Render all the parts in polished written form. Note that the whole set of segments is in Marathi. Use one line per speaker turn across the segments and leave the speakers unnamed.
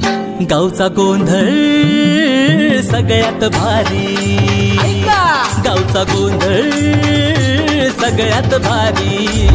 गावचा गोंधळ सगळ्यात भारी, गावचा गोंधळ सगळ्यात भारी.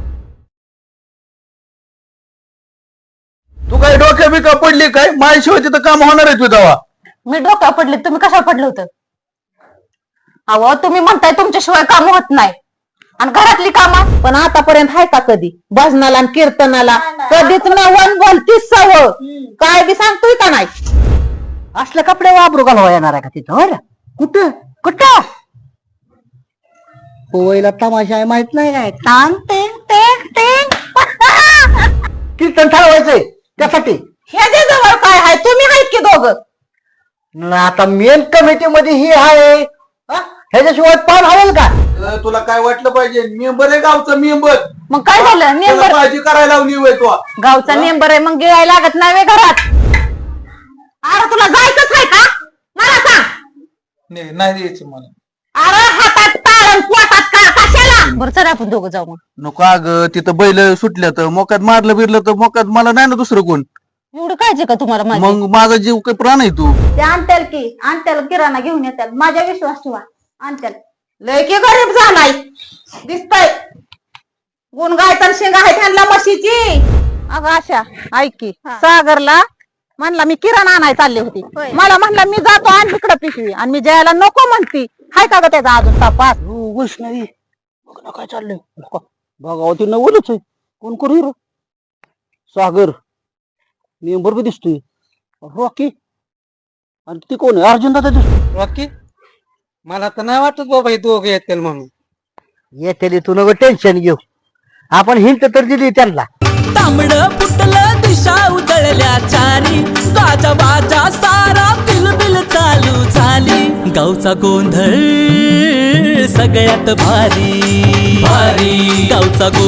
तू काय डोक्या बिका पडली काय? माझ्याशिवाय तिथं काम होणार आहे तुझा?
मी डोक्या पडले, तुम्ही कशा पडलं होतं? अहो तुम्ही म्हणताय तुमच्याशिवाय काम होत नाही, आणि घरातली कामं पण आतापर्यंत आहे का कधी? भजनाला आणि कीर्तनाला कधीच ना वन बोलतीस सवय काय बी सांगतोय का नाही?
असले कपडे वापरू घालवा येणार आहे का तिथं? हो रे, कुठं कुठं पोवायला तमाशा आहे माहित नाही काय? टांग टेंग टेंग टेंग कीर्तन ठरवायचंय त्यासाठी.
ह्याच्या जवळ काय आहे? तुम्ही आहेत की दोघं?
आता मेन कमिटी मध्ये ही आहे, ह्याच्याशिवाय पान हवेल का?
तुला काय वाटलं पाहिजे? मेंबर आहे गावचा मेंबर.
मग काय झालं? मेंबर
काळजी करायला लावली होय तू.
गावचा मेंबर आहे, मग गिळायला लागत नाही व्हय घरात? अरे तुला जायचंच आहे का? मला सांग.
नाही द्यायचं मला.
अरे हातात ताळण पोटात का कशाला? बरं चला आपण दोघं जाऊ. मग
नको अगं, तिथं बैल सुटल्या तर मोकात मारलं बिरलं तर मोकात मला नाही ना दुसरं कोण.
एवढं काळजी का तुम्हाला माझी?
मग माझा जीव काही प्राण आहे तू.
ते आणत्याल की आणत्याल, किराणा घेऊन येत्याल, माझ्या विश्वास ठेवा आणत्याल.
लय की गरीब झालाय दिसतय. गुण गायतर शेंग आहे त्यांना म्हशीची. अगं आशा ऐक की, सागरला म्हणला मी किराणा आणाय चालली होती, मला म्हणला मी जातो आण इकडं पिशवी, आणि मी जायला नको म्हणती. हाय का ग त्याचा अजून तपास?
वैष्णवी काय चाललंय? भगावती नवलच आहे. कोण करू हिरो? सागर मेंबर बी दिसतोय. रॉकी आणि ती कोण आहे? अर्जुन दादा दिसतो.
रॉकी मला तर नाही वाटत बाबा हे दोघे येतील म्हणून.
येते तू नको टेन्शन घेऊ, आपण हिंट तर दिली त्यांना.
तांबड फुटलं दिशा उजळल्या चारी, गाजा बाजा सारा बिलबिल चालू झाली. गावचा गोंधळ सगळ्यात भारी, भारी गावचा